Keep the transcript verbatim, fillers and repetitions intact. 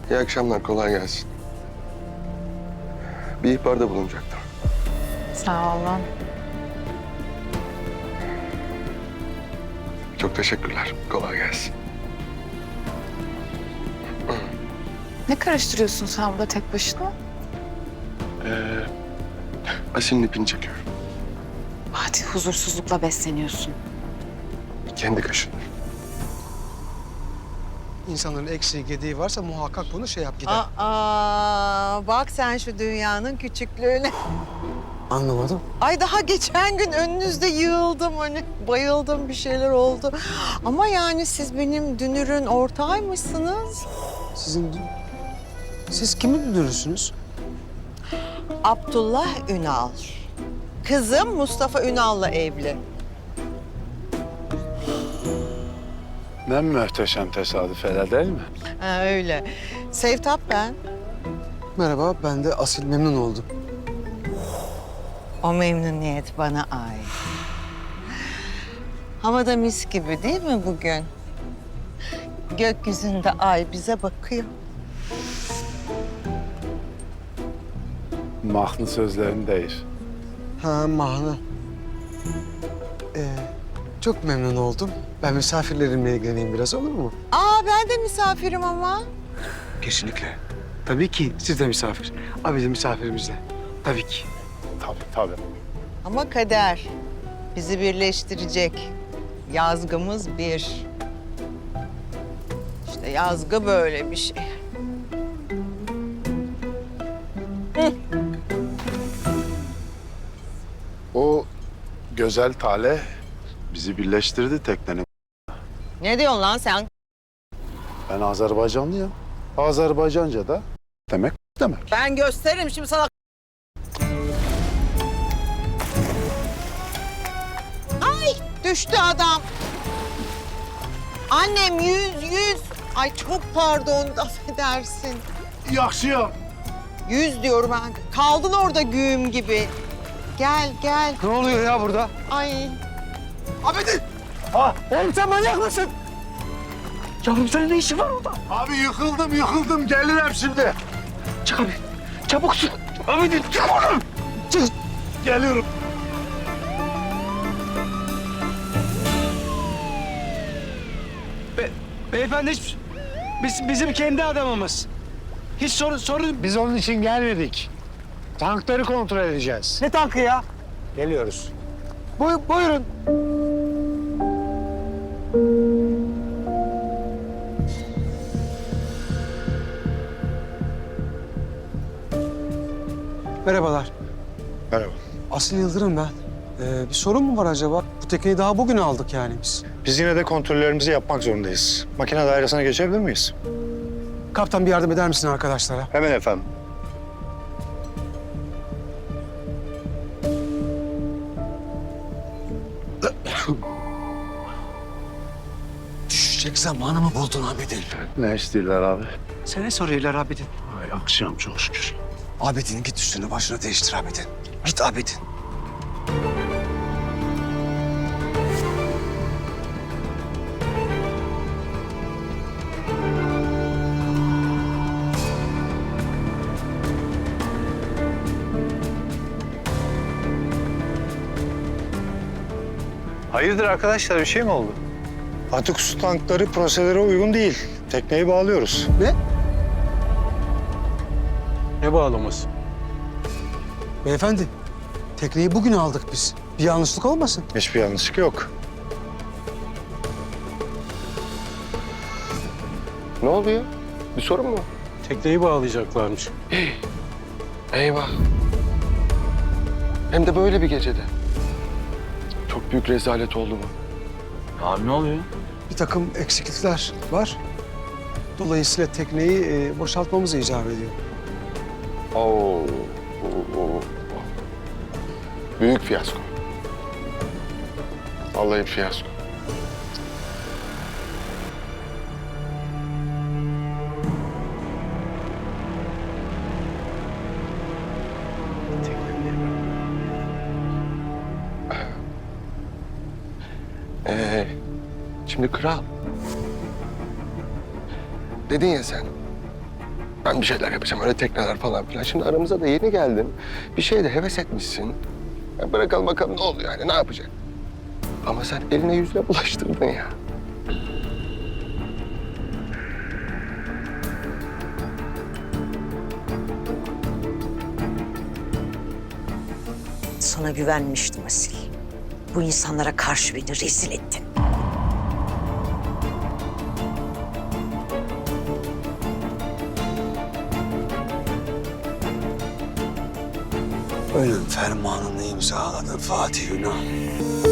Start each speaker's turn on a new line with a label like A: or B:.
A: İyi akşamlar, kolay gelsin. Bir ihbarda bulunacaktım.
B: Sağ olun.
A: Çok teşekkürler, kolay gelsin.
B: Ne karıştırıyorsun sen burada tek başına?
A: Ee, Asil'in ipini çekiyorum.
B: Hadi huzursuzlukla besleniyorsun.
A: Kendi kaşınır.
C: İnsanların eksiği, gediği varsa muhakkak bunu şey yap gider.
D: Aa, bak sen şu dünyanın küçüklüğüne.
C: Anlamadım.
D: Ay daha geçen gün önünüzde yığıldım hani bayıldım bir şeyler oldu. Ama yani siz benim dünürün ortağıymışsınız.
C: Sizin... Siz kimin dünürüsünüz?
D: Abdullah Ünal. Kızım Mustafa Ünal'la evli.
E: Ne muhteşem tesadüf hele değil mi?
D: Ha, öyle. Sevtap ben.
C: Merhaba, ben de Asil, memnun oldum.
D: O memnuniyet bana ait. Havada mis gibi değil mi bugün? Gökyüzünde ay bize bakıyor.
E: Mahnı sözlerini değil.
C: Ha, Mahna. Ee, çok memnun oldum. Ben misafirlerimle ilgileneyim biraz, olur mu?
D: Aa ben de misafirim ama.
C: Kesinlikle. Tabii ki, siz de misafir. Abi de misafirimizle. Tabii ki.
E: Tabii tabii.
D: Ama kader bizi birleştirecek. Yazgımız bir. İşte yazgı böyle bir şey.
E: O güzel talih bizi birleştirdi teknenin.
D: Ne diyorsun lan sen?
E: Ben Azerbaycanlıyım. Azerbaycanca da demek demek.
D: Ben gösteririm şimdi sana. Ay düştü adam. Annem yüz yüz. Ay çok pardon affedersin.
E: Yakşıyım.
D: Yüz diyorum ben. Kaldın orada güğüm gibi. Gel gel.
C: Ne oluyor ya burada?
D: Ay.
C: Abidin! Ha, oğlum sen manyak mısın? Yavrum senin ne işin var orada?
E: Abi yıkıldım yıkıldım gelirim şimdi.
C: Çık abi, çabuk çık. Abidin, çık oradan. Çık.
E: Geliyorum.
F: Be beyefendi hiç, biz, bizim kendi adamımız. Hiç sorun, sorun...
G: Biz onun için gelmedik. Tankları kontrol edeceğiz.
F: Ne tankı ya?
G: Geliyoruz.
C: Buy buyurun. Merhabalar.
E: Merhaba.
C: Asil Yıldırım ben. Ee, bir sorun mu var acaba? Bu tekneyi daha bugün aldık yani biz.
G: Biz yine de kontrollerimizi yapmak zorundayız. Makine dairesine geçebilir miyiz?
C: Kaptan bir yardım eder misin arkadaşlara?
G: Hemen efendim.
C: Düşecek zamanı mı buldun Abidin?
E: Ne istiyorlar abi?
F: Seni soruyorlar Abidin.
E: Ay akşam çok şükür.
C: Abidin git üstünü başını değiştir Abidin. Git Abidin.
G: Hayırdır arkadaşlar, bir şey mi oldu? Atık su tankları prosedüre uygun değil. Tekneyi bağlıyoruz.
C: Ne?
F: Ne bağlaması?
C: Beyefendi, tekneyi bugün aldık biz. Bir yanlışlık olmasın?
G: Hiçbir yanlışlık yok.
A: Ne oldu ya? Bir sorun mu?
F: Tekneyi bağlayacaklarmış.
A: Eyvah. Hem de böyle bir gecede. Çok büyük rezalet oldu bu.
F: Abi ne oluyor?
C: Bir takım eksiklikler var. Dolayısıyla tekneyi e, boşaltmamız icap ediyor.
A: Oo, oo, oo. Büyük fiyasko. Vallahi fiyasko. Ee, şimdi kral. Dedin ya sen.
H: Ben bir şeyler yapacağım, öyle tekneler falan filan. Şimdi aramıza da yeni geldin. Bir şeye de heves etmişsin. Ya bırakalım bakalım ne oluyor yani, ne yapacak? Ama sen eline yüzüne bulaştırdın ya.
I: Sana güvenmiştim Asil. Bu insanlara karşı beni rezil ettin.
C: Ölüm fermanını imzaladı Fatih Ünal.